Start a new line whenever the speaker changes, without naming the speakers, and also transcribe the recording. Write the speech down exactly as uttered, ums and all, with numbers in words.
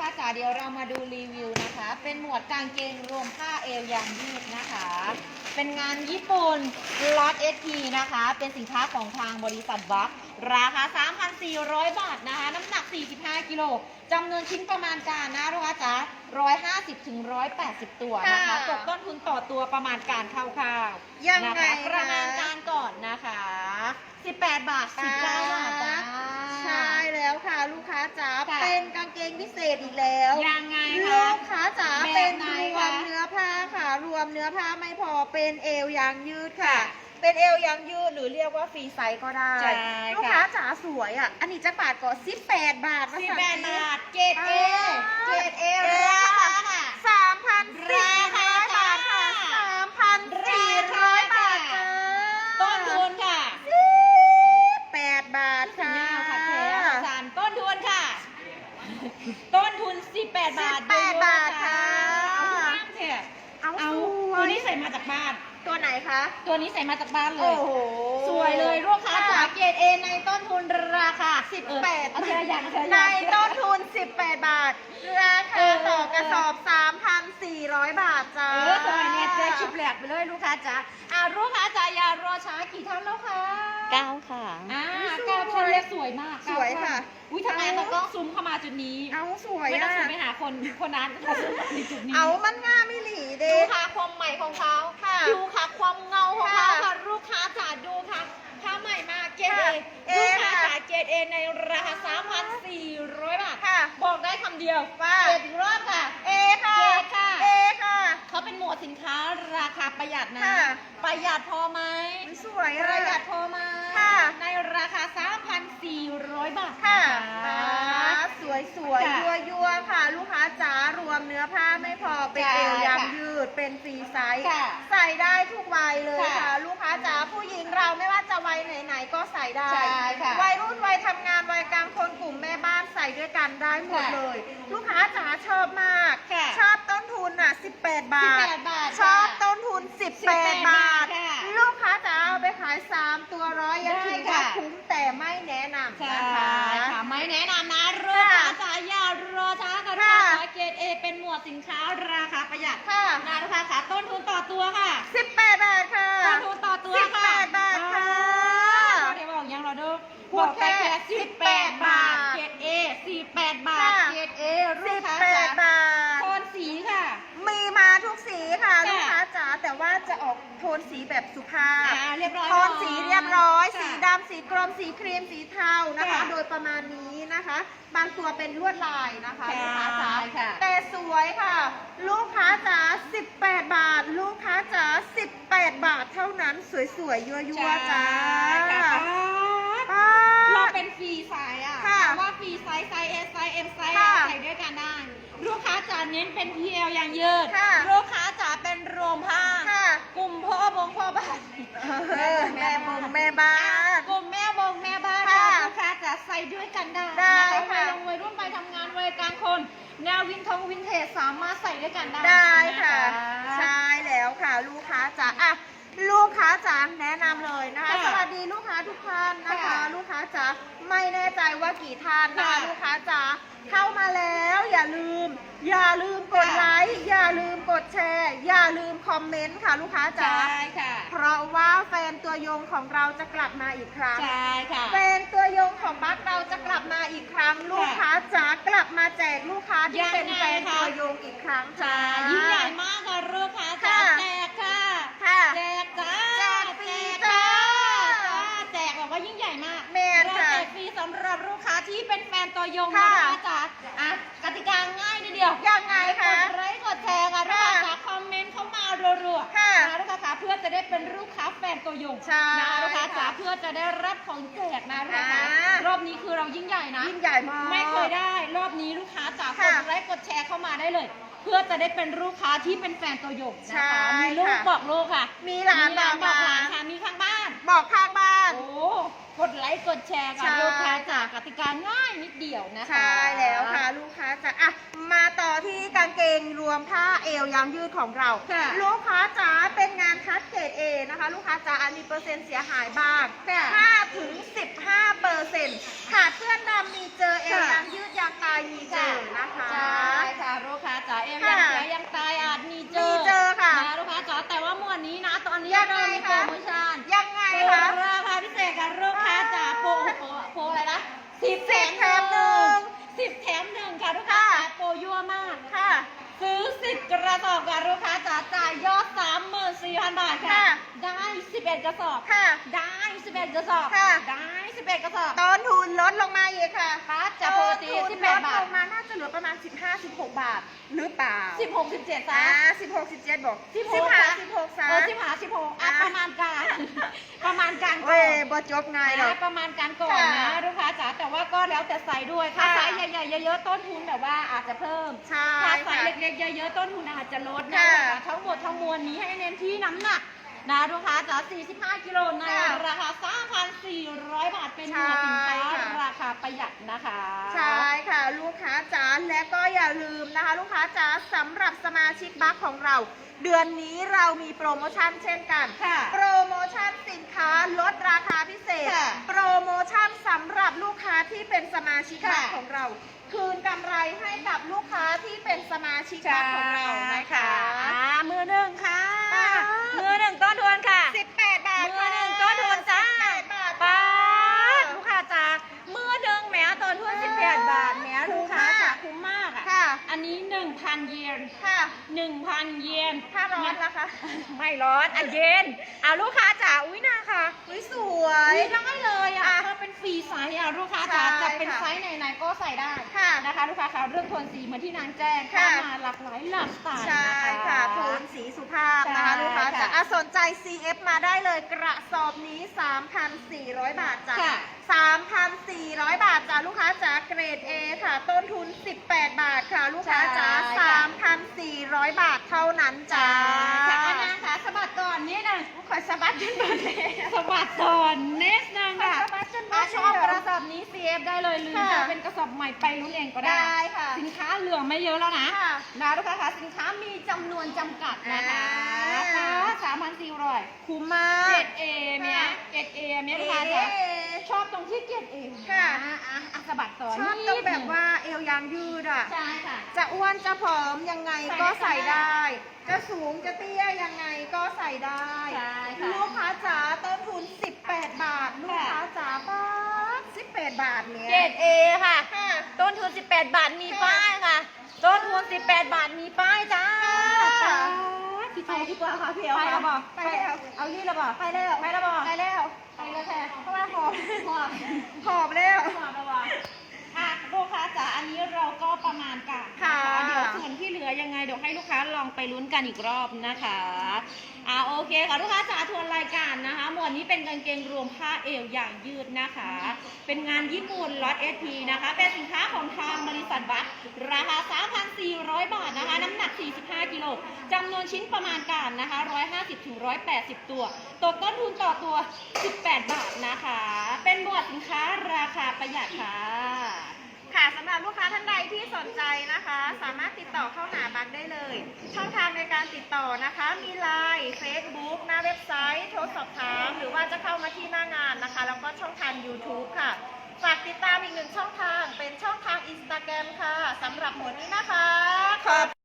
ค้าจ๋าเดี๋ยวเรามาดูรีวิวนะคะเป็นหมวดกางเกงรวมผ้าเอวยางยืดนะคะเป็นงานญี่ปุ่นล็อต เอส พี นะคะเป็นสินค้าของทางบริษัทบัคราคา สามพันสี่ร้อย บาทนะคะน้ำหนักสี่สิบห้ากิโลจำนวนชิ้นประมาณการนะลูกค้าจ๋าหนึ่งร้อยห้าสิบถึงหนึ่งร้อยแปดสิบตัวนะคะตกต้นทุนต่อตัวประมาณการคร่าวๆ
ยังไง
นะคะประมาณการก่อนนะคะสิบแปดบาทสิบเก้าบาทจ้า
ใช่แล้วค่ะลูกค้าจ๋า
ค่ะ
เป็นกางเกงพิเศษอีกแล้ว
ยังไง
ลู
คะ
กค้าจ๋า
แบบ
เป็น
ไหน
รว
คะ
มเนื้อผ้าค่ะรวมเนื้อผ้าไม่พอเป็นเอวยางยืดค่ะ
ค่ะ
เป็นเอวยางยืดหรือเรียกว่าฟรีไซส์ก็ได้
ใช่
ลูก
ค่ะ
ค้าจ๋าสวยอ่ะอันนี้จะบาทก่อนสิบแปดบาท
สิบแปดบาทเกรดเอเกรดเอ
เอ
ราคาค่ะ
สามพันสี่ร้อยบาทค่ะสามพันสี่ร้อยบาทจ้า
ต้นทุนค่ะ
แปดบาท
สัญ
ค่ะ
ญาค่ะแท้สารต้นทุนค่ะ ต้นทุนสิบแปดบาท
สิบแปดบาทค่ะ
เอาทุกน้ำเถอะ
เอา
เอา
สวย
ตัวนี้ใส่มาจากบ้าน
ตัวไหนคะ
ตัวนี้ใส่มาจากบ้านเล
โอ้
ย
โห
สวยเลยลูกค้าจ๋าเกรดเอในต้นทุนราคา
สิบแปด
เออเอาเธออย่างเธออ
ใน
ย่าง
ต้นทุนสิบแปดบาท ราคา
เออ
ต่อกระสอบสามพันสี่ร้อยบาทจ้า
เออสวยเนี่ยเจ๊ชิบแหลกไปเลยลูกค้าจ๋าอ่าลูกค้าจ๋าอย่ารอช้ากี่ท่านแล้วคะ
เก้าค่ะ
อ่า
สวย
เก้าท่านเรียกสวยมาก
สวยค่ะ
อุ้ยทำไมตากล้องซูมเข้ามาจุดนี้
เอาสวย
ไม่ต้อง
อ่ะ
ซูมไปหาคนคนนั้นเขาซูมมาในจุดนี้
เอามันง่ามไม่หลีเด้
ดูค่ะความใหม่ของเขา
ค่ะ
ดูค่ะความเงาของเขา
ค่ะ
ค่ะลูกค้าจ๋าดูค่ะผ้าใหม่มากเกรดเอ
ค่ะ
ลูกค้า
เอค่ะ
จ๋าเกรดเอในราคา สามพันสี่ร้อย บาท
ค่ะ
บอกได้คำเดียว
ว่า
เกรดอีกรอบค่ะ
เอค่ะ
เกรดค่ะ
เอค่ะ
เขาเป็นหมวดสินค้าราคาประหยัดนะ
ค่ะ
ประหยัดพอไหม
สวย
ป
อ่ะ
ระหยัดพอไหม
ค่ะ
ในราคา สามพันสี่ร้อย บาท
ค่ะ
น
สวยสวย
ค่ะ
ยัวยัวๆค่ะ ลูกค้าจ๋ารวมเนื้อผ้าไม่พอเป็น
ค่ะ
เอวยาง
ค่ะ
ยืดเป็นฟรีไซส์
ค่ะ
ใส่ได้ทุกวัยเลย
ค่ะ
ค่ะ ลูกค้าจ๋าผู้หญิงเราไม่ว่าจะวัยไหนๆก็ใส่ได้
ใช่ค่ะ
วัยรุ่นวัยทำงานวัยกลางคนกลุ่มแม่บ้านใส่ด้วยกันได้หมด
ค่ะ
เลย ลูกค้าจ๋าชอบมาก
ค่ะ
ชอบต้นทุนอ่ะสิบแปดบาท
สิบแปดบาท
ชอบ
ค่ะ
ต้นทุนสิบแปด
สิบแปด
บาท
ค่ะ
ลูกค้าจ๋าเอาไปขายสามตัวร้อยยัง
ได้
ถือว่า
ค่ะ
คุ้มแต่ไม่แนะนำ
ใช่
นะคะ
ค่ะไม่แนะนำนะลูกค้าจ๋าอย่ารอช้ากัน
ค่ะ
ค่ะเกรดเอเป็นหมวดสินค้าราคาประหยัด
ค่ะ
นะลูกค้าค่ะต้นทุนต่อตัวค่ะ
สิบแปดบาทค่ะ
ต้นทุนต่อตัวค่ะ
สิบแปดบาทค่ะ
อ่าเดี๋ยวบอกยังเราดู
พู
บ
ด
อกไป
แค่
แค่สิบแปดบาท
บาท
เกรดเอสี่แปดบาท
ค่ะ
เกรดเอลู
สิ
ก
บ
ค้า
แป
จ๋า
ดบาท
โทนสีค่ะ
มีมาทุกสีค่ะ
ค่ะ
ลูกค้าจ๋าแต่ว่าจะออกโทนสีแบบสุภาพ
อ่าเรียบร้อย
โทนสีเรียบร้อย
ค่ะ
สีดำสีกรมสีครีมสีเทานะคะ
ค่ะ
โดยประมาณนี้นะคะ บางตัวเป็นลวดลายนะคะ
ใช่
ลูกค้าจ๋า
ค่ะ
แต่สวยค่ะ ลูกค้าจ๋าสิบแปดบาท ลูกค้าจ๋าสิบแปดบาทเท่านั้นสวยๆยั่วๆจ้า
ใช่ค่ะ
ป๊าด
เราเป็นฟรีไซส์อ่ะ
ค่ะ
แต่ว่าฟรีไซส์ไซส์ S ไซส์ M ไซส์
ค่ะ
ใส่ด้วยกันได้ ลูกค้าจ๋าเน้นเป็น พี แอล อย่างยืด
ค่ะ
ลูกค้าจ๋าเป็นรวมผ้า
ค่ะ
กลุ่มพ่อบงพ่อบ้าน
เออแม่บงแม่บ้าน
กลุ่มแม่บงแม่บ้าน
ค่ะ
ลูกค้าจ๋าใส่ด้วยกันได้
ได้
นะคะ
ค่ะ
วัยลงวัยรุ่นไปทำงานวัยกลางคน แนววินทงวินเทจสามารถใส่ด้วยกันได้
ได้ค่ะ
น
ใช่แล้วค่ะ ลูกค้าจ๋าอ่ะลูกค้าจ๋าแนะนำเลยนะคะ
ค่ะ
สวัสดีลูกค้าทุกท่านนะคะ
ค่ะ
ลูกค้าจ๋าไม่แน่ใจว่ากี่ท่านนะคะ
ค่ะ
ลูกค้าจ๋าเข้ามาแล้วอย่าลืม อย่าลืมกด
ค่ะ
ไลค์อย่าลืมกดแชร์ อย่าลืมคอมเมนต์ค่ะ ลูกค้าจ๋า
ใช่ค่ะ
เพราะว่าแฟนตัวยงของเราจะกลับมาอีกครั้ง
ใช่ค่ะ
แฟนตัวยงของบัคเราจะกลับมาอีกครั้ง ลูกค้าจ๋ากลับมาแจกลูกค้าที่เป็นแฟนตัวยงอีกครั้ง
ใช่
ค่ะ
ยิ่งใหญ่มากค่ะลูกค้าจ๋า
ค่ะ
แจกค่ะ
ค่ะ
แจกจ้า
แจกฟรี
แจก
จ้า
จ้าแจกแบบว่ายิ่งใหญ่มาก
แม่น
เรา
ค่ะ
แจกฟรีสำหรับลูกค้าที่เป็นแฟนตัวยงนะ
ค่ะ
ลูกค้าจ๋าอ่ะกติกาง่ายนิดเดียว
ยังไงคะ
กดไลค์กดแชร์ค่ะลูก
ค่ะ
ค้าจ๋าคอมเมนต์เข้ามารัวๆ
ค่ะ
นะลูกค้าจ๋าเพื่อจะได้เป็นลูกค้าแฟนตัวยง
ใช่
นะลูกค้าจ๋า
ค่ะ
เพื่อจะได้รับของแจกนะลูกค้าจ๋า
อ่าร
อบนี้คือเรายิ่งใหญ่นะ
ยิ่งใหญ่มาก
ไม่เคยได้ รอบนี้ลูกค้าจ๋าก
ค่ะ
ดไลค์กดแชร์เข้ามาได้เลย เพื่อจะได้เป็นลูกค้าที่เป็นแฟนตัวยง
ใช่
นะคะมีลูก
ค่ะ
บอกลูกค่ะ
มีหลาน
มีหลานบอกหลาน
บอกหลาน
ค่ะมีข้างบ้าน
บอกข้างบ้าน
โอ้กดไลค์กดแชร์
ใช่
ค่ะลูกค้าจ๋ากติกาง่ายนิดเดียวนะคะ
ใช่แล้วค่ะ ลูกค้าจ๋าอ่ะมาต่อที่กางเกงรวมผ้าเอวยางยืดของเรา
ค่ะ
ลูกค้าจ๋าเป็นงานคัดเกรดเอนะคะ ลูกค้าจ๋าอันมีเปอร์เซ็นต์เสียหายบ้าง
ค่ะ
ห้าถึงสิบห้าเปอร์เซ็นต์ขาดเพื่อนดำมีเจอเอว
ค่ะ
ยางยืดยางตายมีเจอนะคะ
ใช่ระสอบค่ะลูกค้าจ๋าจ่ายยอด สามหมื่นสี่พัน บาทค่ะ
ค่ะ
ได้ สิบเอ็ด กระสอบ
ค่ะ
ได้ สิบเอ็ด กระสอบ
ค่ะ
ได้ สิบเอ็ด กระสอบ
ต้นทุนลดลงมาอีกค่ะ
ค่ะจากปกติ
ต้นทุน
สิบ
ล
แปด
ด
บา
ล
ท
งมาน่าจะเหลือประมาณ สิบห้า สิบหก บาท หรือเปล่า
สิบหก สิบเจ็ด
อ่า
ซะ
สิบหก สิบเจ็ดบอก
สิบห
สิบ
ก
ห้า
ซะ
สิบหกซะ
เออสิบห้าสิบหกอ่ะ
อ่ะ
ประมาณการ ประมาณการก่
เว้
อย น
บ่จบง่ายหรอก
นะประมาณการก่อนนะ
ค่ะ
ลูกค้าจ๋าแต่ว่าก็แล้วแต่ไซส์ด้วยถ้า
ค่ะ
ไซส์ใหญ่ๆเยอะๆต้นทุนแบบว่าอาจจะเพิ่ม
ใช่
ถ้าไซ
ค่ะ
ส์เล็กๆเยอะๆต้นทุนอาจจะลดนะ
ค่ะ
คะทั้งหมดทั้งมวลนี้ให้เน้นที่น้ำหนักนะลูกค้าจ๋าสี่สิบห้ากิโลใน
ค่ะ
ราคา สามพันสี่ร้อย บาทเป็นหมวดสินค้า
ใช่ค่ะ
ราคาประหยัดนะคะ
ใช่ค่ะลูกค้าจ๋าและก็อย่าลืมนะคะ ลูกค้าจ๋าสำหรับสมาชิกบัคของเรา เดือนนี้เรามีโปรโมชั่นเช่นกัน
ค่ะ
โปรโมชั่นสินค้าลดราคาพิเศษ
ค่ะ
โปรโมชั่นสำหรับลูกค้าที่เป็นสมาชิกบัค
ค่ะ
ของเรา คืนกำไรให้กับลูกค้าที่เป็นสมาชิกบัคของเรานะคะ
อ่ามือหนึ่งค่ะ
อ่า
มือหนึ่งต้นทุนค่ะ
สิบแปดบาท
มือหนึ่งต้นทุนจ้า
สิบแปดบาท
ป้า
ค่ะ
ดลูกค้าจ้ามือหนึ่งแหมต้นทุนสิบแปดบาทแหมลูกค้าจ้าคุ้มมากอ่ะ
ค่ะ
อันนี้หนึ่งพันเยน
ค่ะ
หนึ่งพันเยน
ถ้าร้อนล่ะคะ
ไม่ร้อนอ่ะเย็นอ่ะลูกค้าจ๋าอุ้ยนาค่ะ
อุ๊ยสวย
อุ้ยได้เลยอ่ะ
อ่ะ
ถ้าเป็นฟรีไซส์อ่ะลูกค้าจ๋า
ใช่
จะเป็น
ค่ะ
ไซส์ไหนๆก็ใส่ได้
ค่ะ
นะคะลูกค้าค่ะเรื่องโทนสีเหมือนที่นางแจ้ง
ค่ะ
เข้ามาหลากหลายหลากสไตล์
ใช่
น
ค่ะโทนสีสุภาพนะคะ
ใช่
ลูกค้า
ค่ะ
จะอ่ะสนใจ ซี เอฟ มาได้เลยกระสอบนี้ สามพันสี่ร้อย บาทจ้ะ
ค่ะ
สามพันสี่ร้อย บาทจ้ะลูกค้าจ๋าเกรด A ค่ะ ต้นทุน สิบแปด บาทค่ะ ลูกค้าจ๋า
ใช่ค่ะ
สามพันสี่ร้อย บาทเท่านั้นจ้า
ค่ะอันนางค่ะสะบัดก่อนนิดนึงขอสะบัดจนหมดเลยสะบัดก่อนนิดนึงค่ะ
สะบัดจนหมด
ถ้าชอบ
เลย
กระสอบนี้ ซี เอฟ ได้เลยหรือ
ค่ะ
จะเป็นกระสอบใหม่ไปรุ่นเองก็ได้
ได้ค่ะ
สินค้าเหลือไม่เยอะแล้วนะ
ค่ะ
นะลูกค้าค่ะสินค้ามีจำนวนจำกัดนะคะ
อ่า
ค่ะสามพันสี่ร้อย
คุ้มมา
เกร
ก
ดเอเนี้ย
ค่ะ
เกรดเอเนี้ยลูกค้าจะ
เอ
ชอบตรงที่เกรดเอ
ค่ะ
อ่ะอ่ะอ่ะสะบัดต่อ
ชอบตรงแบบว่าเอวยางยืดอ่ะ
ใช่ค่ะ
จะอ้วนจะผอมยังไงก็
ใส่
ใส่
ได้
ได้ จะสูงจะเตี้ยยังไงก็ใส่ได้
ใช่ค่ะ
ลูกค้าจ๋าต้นทุน สิบแปด บาท ลูกค้าจ๋าป้าดสิบแปด บาทเนี้ย
เกรดเอค่ะ
ค่ะ
ต้นทุน สิบแปด บาท มี
ค่ะ
ป้ายค่ะ ต้นทุน สิบแปด บาท มีป้ายจ้า
ค่ะ
พี่โตพี่กว่าค่ะพี่เอา
ไปแล้ว
ค่ะ
ไปแล้ว
เอาลี่แล้วบ่
ไปแล้ว
ไปแล้วบ่
ไปแล้ว
ไปแล้วแท้
เพราะว่าหอบ
หอบ
หอบแล้ว
หอบแล้วบ่อ่ะลูกค้าจ๋าอันนี้เราก็ประมาณกันน
ค่ะ
เดี๋ยวส่วนที่เหลือยังไงเดี๋ยวให้ลูกค้าลองไปลุ้นกันอีกรอบนะคะอ่าโอเคค่ะลูกค้าจ๋าทวนรายการนะคะ หมวดนี้เป็นกางเกงรวมผ้าเอวอย่างยืดนะคะ เป็นงานญี่ปุ่นล็อตเอสพีนะคะ เป็นสินค้าของทางบริษัทบัคราคา สามพันสี่ร้อย บาทนะคะ น้ำหนัก สี่สิบห้า กิโลจำนวนชิ้นประมาณการนะคะ หนึ่งร้อยห้าสิบถึงหนึ่งร้อยแปดสิบ ตัว ตกต้นทุนต่อตัว สิบแปด บาทนะคะ เป็นหมวดสินค้าราคาประหยัดค่ะ
ค่ะสำหรับลูกค้าท่านใดที่สนใจนะคะ สามารถติดต่อเข้าหาบัคได้เลย ช่องทางในการติดต่อนะคะ มี ไลน์ เฟซบุ๊ก หน้าเว็บไซต์ โทรสอบถาม หรือว่าจะเข้ามาที่หน้างานนะคะ แล้วก็ช่องทาง ยูทูบ ค่ะ ฝากติดตามอีกหนึ่งช่องทาง เป็นช่องทาง อินสตาแกรม ค่ะสำหรับหมวดนี้นะคะขอบ